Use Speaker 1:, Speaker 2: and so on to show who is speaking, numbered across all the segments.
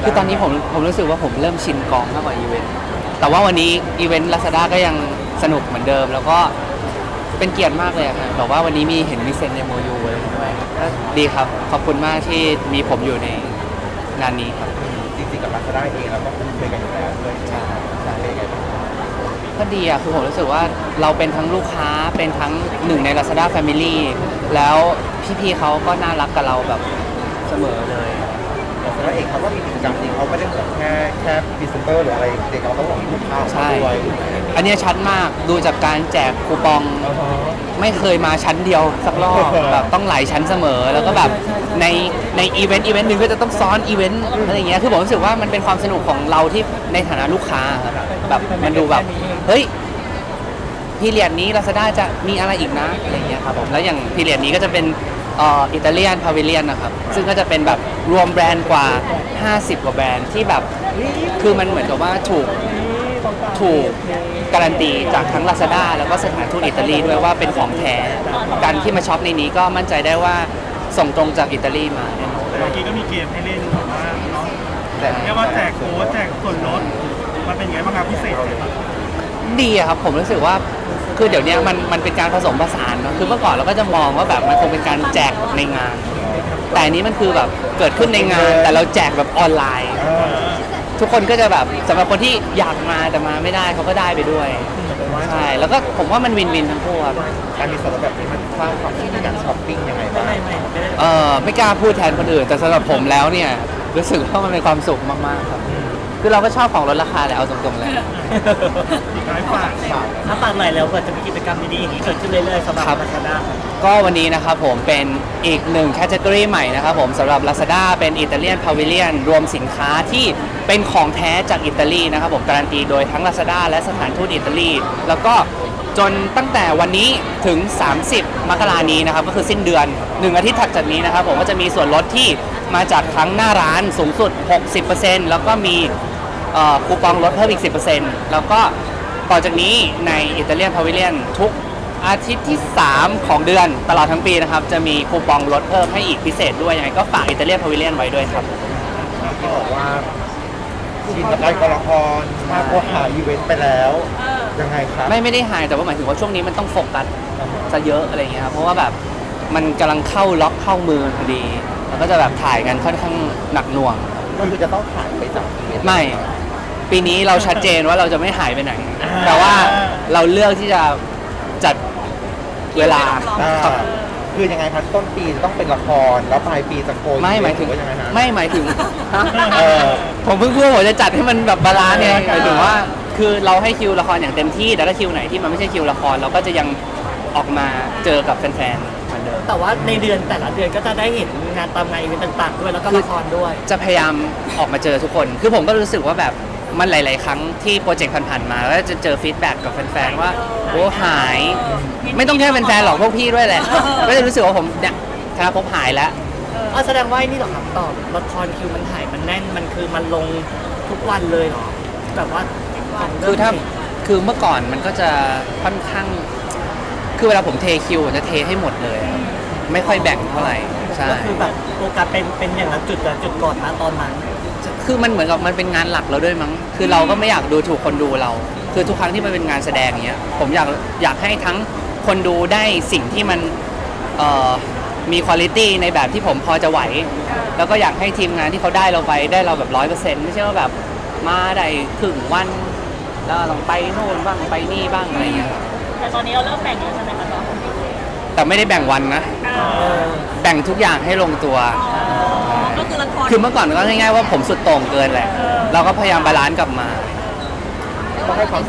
Speaker 1: คือตอนนี้ผมรู้สึกว่าผมเริ่มชินกองมากกว่าอีเวนต์แต่ว่าวันนี้อีเวนต์ Lazada ก็ยังสนุกเหมือนเดิมแล้วก็เป็นเกียรติมากเลยครับแบบว่าวันนี้เห็นมีเซ็น MOU อะไรด้วยก็ดีครับขอบคุณมากที่มีผมอยู่ในงานนี้ครับ
Speaker 2: จริงๆกับ Lazada เองเราก็คุ้นเคยกันอยู่แล้วด้วย
Speaker 1: ใช่
Speaker 2: เป็นไงบ้าง
Speaker 1: ก็ดีอะคือผมรู้สึกว่าเราเป็นทั้งลูกค้าเป็นทั้งหนึ่งใน Lazada Family แล้วพี่ๆเขาก็น่ารักกับเราแบบเสมอเลย
Speaker 2: Lazada เองเขาก็มีกิจกรรมจริงเขาไม่ได้เหมือนแค่พรีเซนเตอร์หรืออะไรเด็กเราต้องหวังลูกค้าด้วย
Speaker 1: อันนี้ชัดมากดูจากการแจกคูปองไม่เคยมาชั้นเดียวสักรอบแบบต้องหลายชั้นเสมอแล้วก็แบบในอีเวนต์หนึ่งก็จะต้องซ้อนอีเวนต์อะไรอย่างเงี้ยคือผมรู้สึกว่ามันเป็นความสนุกของเราที่ในฐานะลูกค้าครับแบบมันดูแบบเฮ้ยพีเรียดนี้ Lazada จะมีอะไรอีกนะอะไรอย่างเงี้ยครับผมแล้วอย่างพีเรียดนี้ก็จะเป็นอิตาเลียนพาวิเลียนนะครับซึ่งก็จะเป็นแบบรวมแบรนด์กว่า50กว่าแบรนด์ที่แบบคือมันเหมือนกับว่าถูกการันตีจากทั้ง Lazada แล้วก็สถานทูตอิตาลีด้วยว่าเป็นของแท้การที่มาช็อปในนี้ก็มั่นใจได้ว่าส่งตรงจากอิตาลีมาแน่นอน
Speaker 3: เมื่อกี้ก็มีเกมให้เล่นแบบว่าเนาะเรียกว่าแจกโค้ดแจกส่วนลดมันเป็นไงบ้างครับพิเศษ
Speaker 1: ดีครับผมรู้สึกว่าคือเดี๋ยวนี้มันเป็นการผสมผสานเนาะคือเมื่อก่อนเราก็จะมองว่าแบบมันคงเป็นการแจกในงานแต่อันนี้มันคือแบบเกิดขึ้นในงานแต่เราแจกแบบออนไลน์ทุกคนก็จะแบบสำหรับคนที่อยากมาแต่มาไม่ได้เขาก็ได้ไปด้วยใช่แล้วก็ผมว่ามันวินวินทั้งคู่ครับ
Speaker 2: การมีส่วนลดแบบนี้มันสร้างความคิดในการช้อปปิ้งยังไงบ้าง
Speaker 1: ไม่กล้าพูดแทนคนอื่นแต่สำหรับผมแล้วเนี่ยรู้สึกว่ามันเป็นความสุขมากๆครับคือเราก็ชอบของลดราคาแหละเอาตรงๆเลย
Speaker 3: ฝากหน่อยแล้วเผื่อจะมีกิจกรรมดีๆอย่างนี้เกิดขึ้นเรื่อยๆสำหรับ Lazada
Speaker 1: ก็วันนี้นะครับผมเป็นอีกหนึ่งแคตตากรีใหม่นะครับผมสำหรับ Lazada เป็นอิตาเลียนพาวิเลียนรวมสินค้าที่เป็นของแท้จากอิตาลีนะครับผมการันตีโดยทั้ง Lazada และสถานทูตอิตาลีแล้วก็จนตั้งแต่วันนี้ถึง30 มกราคมนี้นะครับก็คือสิ้นเดือน1อาทิตย์ถัดจากนี้นะครับผมก็จะมีส่วนลดที่มาจากทั้งหน้าร้านสูงสุด 60% แล้วก็มีคูปองลดเพิ่มอีก 10% แล้วก็ต่อจากนี้ในอิตาเลียนพาวิเลียนทุกอาทิตย์ที่3ของเดือนตลอดทั้งปีนะครับจะมีคูปองลดเพิ่มให้อีกพิเศษด้วยยังไงก็ฝากอิตาเลียนพาวิเลียนไว้ด้วยครับ
Speaker 2: ที่บอกว่าชินกับการละครมากกว่าหาอีเวนต์ไปแล้วยังไงครับ
Speaker 1: ไม่ได้หายแต่ว่าหมายถึงว่าช่วงนี้มันต้องโฟกัสซะเยอะอะไรเงี้ยครับเพราะว่าแบบมันกำลังเข้าล็อกเข้ามือพอดีแล้วก็จะแบบถ่ายกันค่อนข้างหนักหน่วง
Speaker 2: ก็คือจะต้องถ่ายไปจากอีเวนต์
Speaker 1: ไม่ปีนี้เราชัดเจนว่าเราจะไม่หายไปไหนแต่ว่าเราเลือกที่จะจัดเวลา
Speaker 2: คือยังไงครับต้นปีต้องเป็นละครแล้วปลายปีจะโกย
Speaker 1: ไม่หมายถึงไม่หมายถึงผมเพิ่งพูดผมจะจัดให้มันแบบบาลานซ์ไงหมายถึงว่าคือเราให้คิวละครอย่างเต็มที่แต่ถ้าคิวไหนที่มันไม่ใช่คิวละครเราก็จะยังออกมาเจอกับแฟนๆเหมือนเดิม
Speaker 3: แต่ว่าในเดือนแต่ละเดือนก็จะได้เห็นงานตามงานอีเวนต์ต่างๆด้วยแล้วก็ละครด้วย
Speaker 1: จะพยายามออกมาเจอทุกคนคือผมก็รู้สึกว่าแบบมันหลายๆครั้งที่โปรเจกต์ผ่านๆมาแล้วจะเจอฟีดแบ็กกับแฟนๆว่าโอ้หายไม่ต้องแค่แฟนๆหรอกพวกพี่ด้วยแหละก็จะรู้สึกว่าผมเนี่ยธนาภพหายแล้ว
Speaker 3: แสดงว่านี่หรอครับตอบละครคิวมันถ่ายมันแน่นมันคือมันลงทุกวันเลยเหรอแบบว่า
Speaker 1: คือเมื่อก่อนมันก็จะค่อนข้างคือเวลาผมเทคิวจะเทให้หมดเลยไม่ค่อยแบ่งเท่าไหร่ใช่
Speaker 3: ก็คือแบบโฟกัสเป็นอย่างละจุดก่อนนะตอนนั้น
Speaker 1: คือมันเหมือนกับมันเป็นงานหลักเราด้วยมั้งคือเราก็ไม่อยากดูถูกคนดูเราคือทุกครั้งที่มันเป็นงานแสดงอย่างเงี้ยผมอยากให้ทั้งคนดูได้สิ่งที่มันมีคุณภาพในแบบที่ผมพอจะไหวแล้วก็อยากให้ทีมงานที่เขาได้เราไปได้เราแบบ 100% ไม่ใช่ว่าแบบมาได้ครึ่งวันแล้วต้องไปโน่นบ้างไปนี่บ้างอะไรเงี้ย
Speaker 4: แต่ตอนนี้เราเริ่มแบ่งแล้วใช่ไหมคะน้อง
Speaker 1: แต่ไม่ได้แบ่งวันนะแบ่งทุกอย่างให้ลงตัว
Speaker 4: ก็คือละคร
Speaker 1: คือเมื่อก่อนก็ง่ายๆว่าผมสุดโต่งเกินแหละเราก็พยายามบาลานซ์กลับมา
Speaker 2: ก็ให้ความ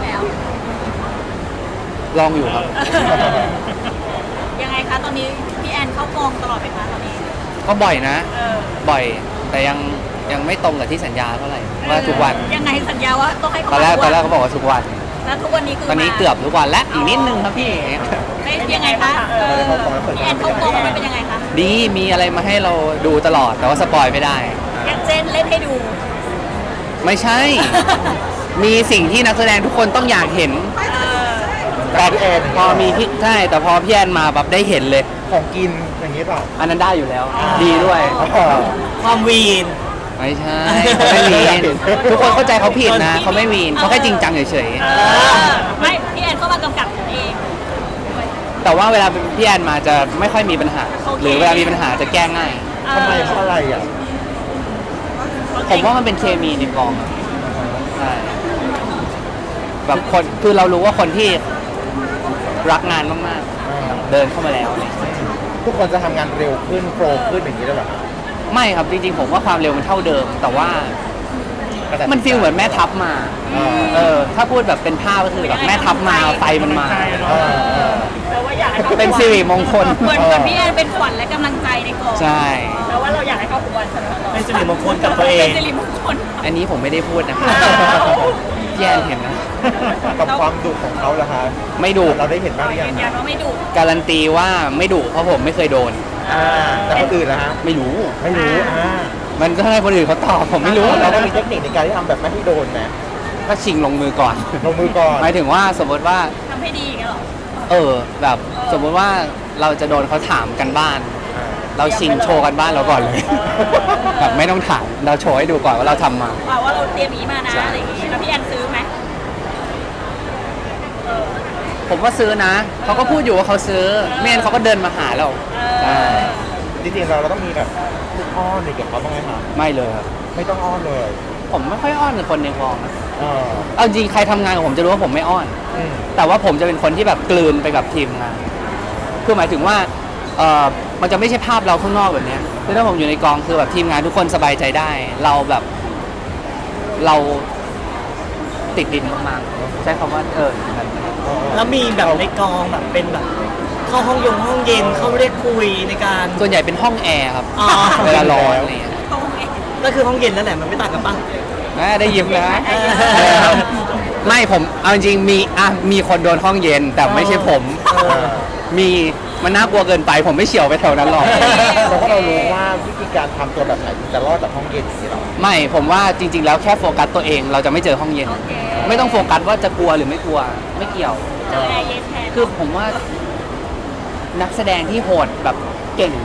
Speaker 1: ลองอยู่ครับ
Speaker 4: ยังไงคะตอนนี้พี่แอนเข้ากองตลอดไหมคะตอนนี้
Speaker 1: ก็บ่อยนะบ่อยแต่ยังไม่ตรงกับที่สัญญาเท่าไหร่ว่าทุกวัน
Speaker 4: ยังไงสัญญาว่าต้องให้เขา
Speaker 1: ตอนแรกเขาบอกว่าทุกวัน
Speaker 4: แล้วทุกวันนี้คือ
Speaker 1: ตอนนี้เกือบทุกวันและอีกนิดนึงครับพี่
Speaker 4: ยังไงคะพี่แอนเข้ากองมันเป็นยังไงคะ
Speaker 1: ดีมีอะไรมาให้เราดูตลอดแต่ว่าสปอยไม่ได้
Speaker 4: อย่างเช่นเล่นให้ดู
Speaker 1: ไม่ใช่มีสิ่งที่นักแสดงทุกคนต้องอยากเห็น
Speaker 2: แต่พี่แอน
Speaker 1: พอมีพี่ใช่แต่พอพี่แอนมาแบบได้เห็นเลย
Speaker 2: ของกินอย่างนี้เปล่า
Speaker 1: อันนั้นได้อยู่แล้วดีด้วย
Speaker 3: ความวีน
Speaker 1: ไม่ใช่เขาไม่วีนทุกคนเข้าใจเขาผิดนะเขาไม่วีนเขาแค่จริงจังเฉย
Speaker 4: ไม่พี่แอนเข้ามากำกับเอง
Speaker 1: ๆแต่ว่าเวลาพี่แอนมาจะไม่ค่อยมีปัญหา
Speaker 4: โอเค
Speaker 1: หรือเวลามีปัญหาจะแก้ง่าย
Speaker 2: ทำไมเพราะอะไรอ่ะ
Speaker 1: ผมว่ามันเป็นเคมีในกองอะใช่แบบคนคือเรารู้ว่าคนที่รักงานมากๆเดินเข้ามาแล้วเนี่ย
Speaker 2: ทุกคนจะทำงานเร็วขึ้นโปรขึ้นอย่างนี้ได้แบบ
Speaker 1: ไม่ครับจริงๆผมว่าความเร็วมันเท่าเดิม แต่ว่ามันฟีลเหมือนแม่ทัพมา ถ้าพูดแบบเป็นภาพก็คือแบบแม่ทัพมาไฟมันมา
Speaker 4: แต่ว่าอยากให้เขา
Speaker 1: เป็นสิริมงคล
Speaker 4: เหมือนพี่แอนเป็นขวัญและกำลังใจในกอง
Speaker 1: ใช่
Speaker 4: แต่ว่าเราอยากให้เขาอวยเสมอ
Speaker 3: เป็นสิริมงคลกับตัวเอ
Speaker 4: เป็น
Speaker 3: ง
Speaker 4: สิริมงคล
Speaker 1: อันนี้ผมไม่ได้พูดนะครับพี่แอนเห็นนะ
Speaker 2: กับความดุของเขาล่ะคะ
Speaker 1: ไม่ดุ
Speaker 2: เราได้เห็นบ้างหรือยั
Speaker 4: ยื
Speaker 2: ง
Speaker 4: นยันว่าไม่ดุ
Speaker 1: การันตีว่าไม่ดุเพราะผมไม่เคยโดน
Speaker 2: แต่คนอื่นนะฮะ
Speaker 1: ไม่รู้
Speaker 2: ไม่รู้
Speaker 1: มันก็ให้คนอื่นเขาตอบผมไม่รู้
Speaker 2: เราได้มีเทคนิคในการที่ทำแบบไม่ให้โดนไหม
Speaker 1: ก็ชิงลงมือก่อน
Speaker 2: ลงมือก่อน
Speaker 1: หมายถึงว่าสมมติว่า
Speaker 4: ทำให้ดีกันหรอ
Speaker 1: แบบสมมติว่าเราจะโดนเขาถามกันบ้าน เราชิงโชว์กันบ้านเราก่อนเลย แบบไม่ต้องถามเราโชว์ให้ดูก่อนว่าเราทำมา
Speaker 4: ว่าเราเตรียมนี้มานะ
Speaker 1: ใช่
Speaker 4: อะไรอย่างงี้แล้วพี่แอนซื้อไหม
Speaker 1: ผมว่าซื้อนะเขาก็พูดอยู่ว่าเขาซื้อไม่งั้นเขาก็เดินมาหาเราใช่
Speaker 2: จริงๆเราต้องมีแบบพูดอ้อนหรือกับเขาบ้างไหมคะ
Speaker 1: ไม่เลยครับ
Speaker 2: ไม่ต้องอ้อนเลย
Speaker 1: ผมไม่ค่อยอ้อนกับคนในกองนะ
Speaker 2: เออ
Speaker 1: เอาจริงใครทำงานกับผมจะรู้ว่าผมไม่อ้อน
Speaker 2: อืม
Speaker 1: แต่ว่าผมจะเป็นคนที่แบบกลืนไปกับทีมงาน คือหมายถึงว่ามันจะไม่ใช่ภาพเราข้างนอกแบบเนี้ยคือถ้าผมอยู่ในกองคือแบบทีมงานทุกคนสบายใจได้ เราแบบเราติดดินมากๆใช้คำว่าแบบนั้น
Speaker 3: แล้วมีแบบในกองแบบเป็นแบบเข้าห้องเย็นเข้าเรียกคุยในการ
Speaker 1: ส่วนใหญ่เป็นห้องแอร์ครับ
Speaker 3: อ๋อ
Speaker 1: เวลาร้อนอะไรอย่างเงี้ย
Speaker 4: ตรงเอง
Speaker 3: ก็คือห้องเย็นนั่นแหละมันไม่ต่างกันป่ะ
Speaker 1: ได้ยิ้มนะไม่ผมเอาจริงๆมีคนโดนห้องเย็นแต่ไม่ใช่ผม มีมันน่ากลัวเกินไปผมไม่เฉียวไปแถวนั้นหรอก
Speaker 2: เพราะว่าเรารู้ว่าวิธีการทำตัวแบบไหนถึงจะรอดจากห้องเย็นสิเรา
Speaker 1: ไม่ผมว่าจริง ๆ แล้วแค่โฟกัสตัวเองเราจะไม่เจอห้องเย็น
Speaker 4: โอเค
Speaker 1: ไม่ต้องโฟกัสว่าจะกลัวหรือไม่กลัวไม่เกี่ยว
Speaker 4: เจอแอร์เย็นแทน
Speaker 1: คือผมว่านักแสดงที่โหดแบบเก่ง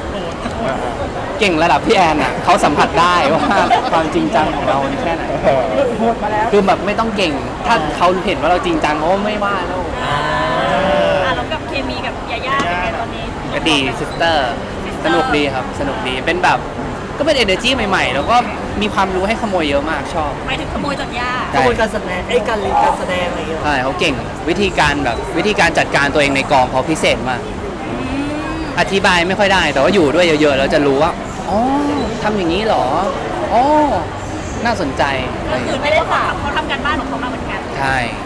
Speaker 1: ระดับพี่แอนอ่ะเขาสัมผัสได้ว่าความจริงจังของเราแค่ไหนคือแบบไม่ต้องเก่ง ถ้าเขาเห็นว่าเราจริงจังเขาก็ไม่ว่าแล้ว
Speaker 4: แล้วกับเคมีกับยาย่าเป็นไงตอนนี้
Speaker 1: ก็ดีซิสเตอร์สนุกดีครับสนุกดีเป็นแบบก็เป็น energy ใหม่ๆ แล้วก็มีความรู้ให้ขโมยเยอะมากชอบ
Speaker 4: หมายถึงขโมยจากย่า
Speaker 3: กระบวนการแสดงการเรียนการแสดงอะไรอย่างเงี้ย
Speaker 1: ใช่เขาเก่งวิธีการจัดการตัวเองในกองเขาพิเศษมาก อธิบายไม่ค่อยได้แต่ว่าอยู่ด้วยเยอะๆแล้วจะรู้ว่าอ๋อทำอย่างนี้เหรออ๋อน่าสนใจอะไร
Speaker 4: ก็
Speaker 1: อย่าง
Speaker 4: คือ
Speaker 1: เงี้ย
Speaker 4: ไม่ได้ถามเขาทำการบ้านของเขามาเหมือนกัน
Speaker 1: ใช่